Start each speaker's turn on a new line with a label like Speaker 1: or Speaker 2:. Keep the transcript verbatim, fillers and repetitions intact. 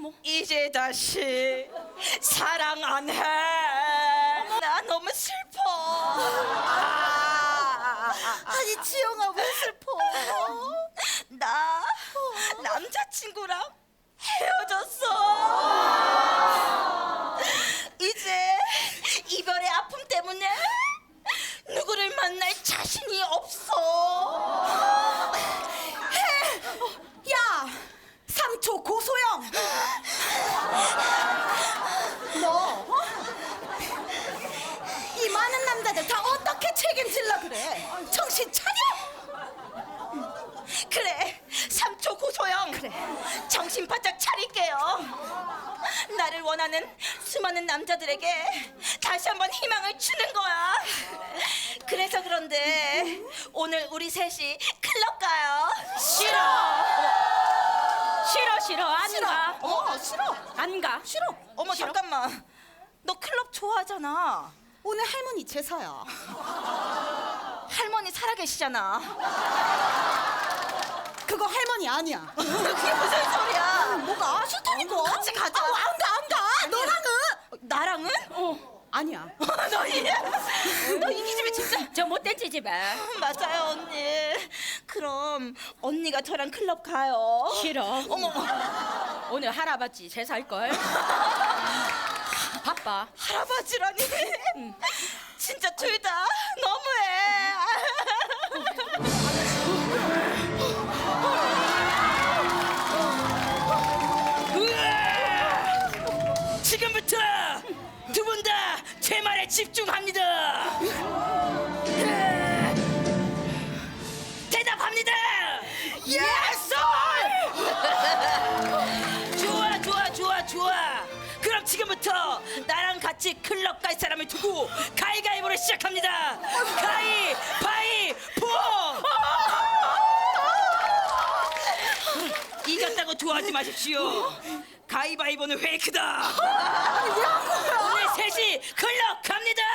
Speaker 1: 이제 다시 사랑 안 해. 나 너무 슬퍼. 아,
Speaker 2: 아니 지영아 왜 슬퍼?
Speaker 1: 나 남자친구랑 헤어졌어. 이제 이별의 아픔 때문에 누구를 만날 자신이 없어.
Speaker 2: 야 삼초 고소영 너 어? 이 많은 남자들 다 어떻게 책임질라 그래? 정신 차려!
Speaker 1: 그래, 삼초 고소영.
Speaker 2: 그래.
Speaker 1: 정신 바짝 차릴게요. 나를 원하는 수많은 남자들에게 다시 한번 희망을 주는 거야. 그래서 그런데 오늘 우리 셋이 클럽 가요.
Speaker 3: 싫어. 싫어 싫어 안
Speaker 2: 싫어.
Speaker 3: 가.
Speaker 2: 어 싫어.
Speaker 3: 안 가.
Speaker 2: 싫어.
Speaker 1: 어머
Speaker 2: 싫어.
Speaker 1: 잠깐만. 너 클럽 좋아하잖아.
Speaker 2: 오늘 할머니 제사야.
Speaker 1: 할머니 살아계시잖아.
Speaker 2: 그거 할머니 아니야.
Speaker 1: 그게 무슨 소리야?
Speaker 2: 뭐가 싫다니까?
Speaker 1: 같이 가자.
Speaker 2: 아, 안 가, 안 가. 너랑은
Speaker 1: 나랑은?
Speaker 3: 어.
Speaker 2: 아니야.
Speaker 1: 너 이, 너 이 기집애 진짜.
Speaker 3: 저 못된 지집에.
Speaker 1: 맞아요 언니. 그럼 언니가 저랑 클럽 가요.
Speaker 3: 싫어.
Speaker 1: 어머
Speaker 3: 오늘 할아버지 제사할 걸. 바빠.
Speaker 1: 할아버지라니. 진짜 둘 다 너무해.
Speaker 4: 지금부터 두 분 다 제 말에 집중합니다. 대답합니다. 예스! 좋아 좋아 좋아 좋아. 그럼 지금부터 나랑 같이 클럽 갈 사람을 두고 가위가위보를 시작합니다. 가위바위보. 이겼다고 좋아하지 마십시오. 가위바위보는 페이크다. 오늘 셋이 클럽 갑니다.